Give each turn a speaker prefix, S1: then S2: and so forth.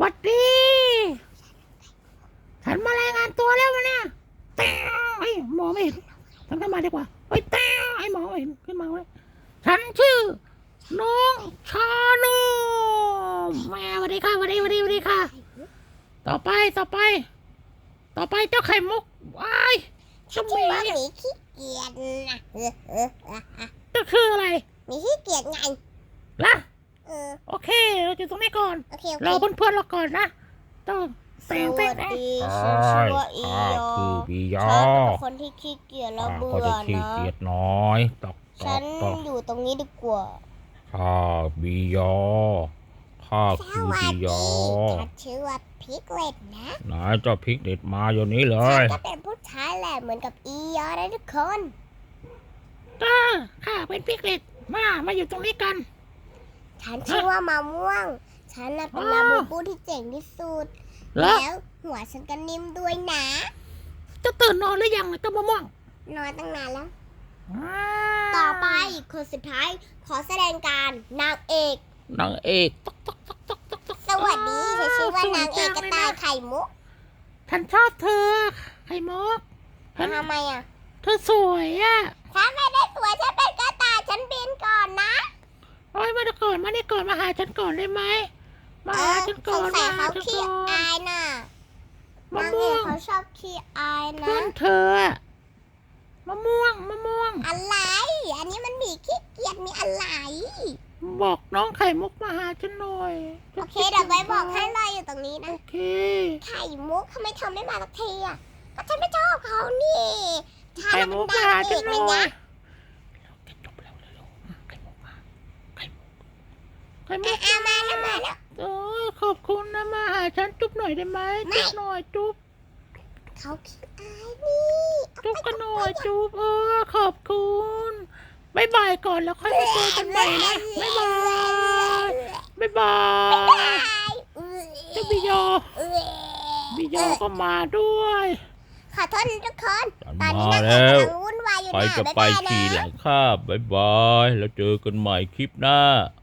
S1: วัดดีฉันมารายงานตัวแล้ววันนี้แต้วไอ้หมอไม่เห็นฉันขึ้นมาดีกว่าไอ้แต้วไอ้หมอไม่เห็นขึ้นมาไว้ฉันชื่อน้องชาโนแม่สวัสดีค่ะสวัสดีค่ะต่อไปเจ้าไข่มุกว้ายเจ้าหมี
S2: หมีขี้เกียจนะ
S1: ก็คืออะไร
S2: หมีขี้เกียจไง
S1: ล่ะ
S2: โอเค
S1: เราอยู่ตรงนี้ก่อน
S2: โอเค
S1: รอเพื่อนๆเราก่อนนะต้อง
S2: สวัสดีฉันชื่อว่าอียอ
S1: คือบียอ
S2: ฉันเป็นคนที่ขี้เกียจแล้วเบื่
S1: ก็
S2: อ
S1: จะขี้
S2: นะ
S1: เกียจน้อยตอก
S2: ฉันอยู่ตรงนี้ดีกว่า
S1: ข้าบียอข้าคือบียอ
S2: ฉันชื่อว่าพิกเลตนะ
S1: ไหนเจ้าพริกเด็ดมาอยู่นี้เล
S2: ฉัน
S1: ย
S2: ก็เป็นผู้ชายแหละเหมือนกับอียอนะทุกคน
S1: ข้าเป็นพริกเด็ดมาอยู่ตรงนี้กัน
S2: ฉันชื่อว่ามะม่วงฉันน่ะเป็นลาบูบูที่เจ๋งที่สุด
S1: แล้ว
S2: แล้วหัวฉันก็นิ่มด้วยนะ
S1: จะตื่นนอนหรือยังเจ้ามะม่วง
S2: นอนตั้งนานแล้ว ต่อไปคนสุดท้ายขอแสดงการนางเอก
S1: นางเอกตก
S2: สวัสดีฉันชื่อว่านางเอกกระต่ายไข่มุก
S1: ฉันชอบเธอไข่มุก
S2: ทำไมอ่ะ
S1: เธอสวยอ่ะ
S2: ฉันไม่ได้สวยฉันเป็นกระต่ายฉันบินก่อนนะ
S1: โอ้ยมาก่อนมาหาฉันก่อนได้ไหมมาหาฉันก่อน
S2: สงสัย
S1: มาหา
S2: เขา
S1: ฉัน
S2: ขี้
S1: ก่อน
S2: อายน่ะ
S1: มะ
S2: นางเอ
S1: ม่ว
S2: ก
S1: ง
S2: เขาชอบขี้อายนะ
S1: เพื่อนเธออะมะม่วง
S2: อะไร อันนี้มันมีขี้เกียจมีอะไร
S1: บอกน้องไข่มุกมาหาฉันหน่อย
S2: โอเคเดี๋ยวไว้บอกให้เลยอยู่ตรงนี้นะ
S1: โอเค
S2: ไข่มุกทำไมเธอไม่มาสักทีอ่ะก็ฉันไม่ชอบเขานี่ฉัน
S1: ไข่
S2: น่ะ
S1: มุ
S2: เป็น
S1: กมา
S2: ดาว
S1: หา
S2: เอ
S1: ฉัน
S2: ก
S1: ห
S2: เล
S1: น่
S2: ย
S1: อย
S2: นะ
S1: จบแล้วเร็วไข่มุกมาไข่มุกมา
S2: มาแล้ว
S1: โอ้ยขอบคุณนะมาหาฉันจุ๊บหน่อยได้ไหมจุ๊บหน่อยจุ๊บ
S2: เขาขี้อายนี่
S1: จุ๊บกันหน่อยจุ๊บขอบคุณบ๊ายบายก่อนแล้วค่อยมาเจอกันใหม่นะบ๊ายบายเจ้าบิโยก็มาด้วย
S2: ขอโทษนะทุกคน
S1: ฉัน
S2: ตอนนี้
S1: มา
S2: นะ
S1: แล้
S2: คะ
S1: ว
S2: กำลังวุ่นวายอยู่
S1: ไป
S2: นะ
S1: จะ
S2: บ๊าย
S1: ไป
S2: บาย
S1: ขี่ห
S2: นะ
S1: ลังคาบ๊ายบาย แล้วเจอกันใหม่คลิปหน้า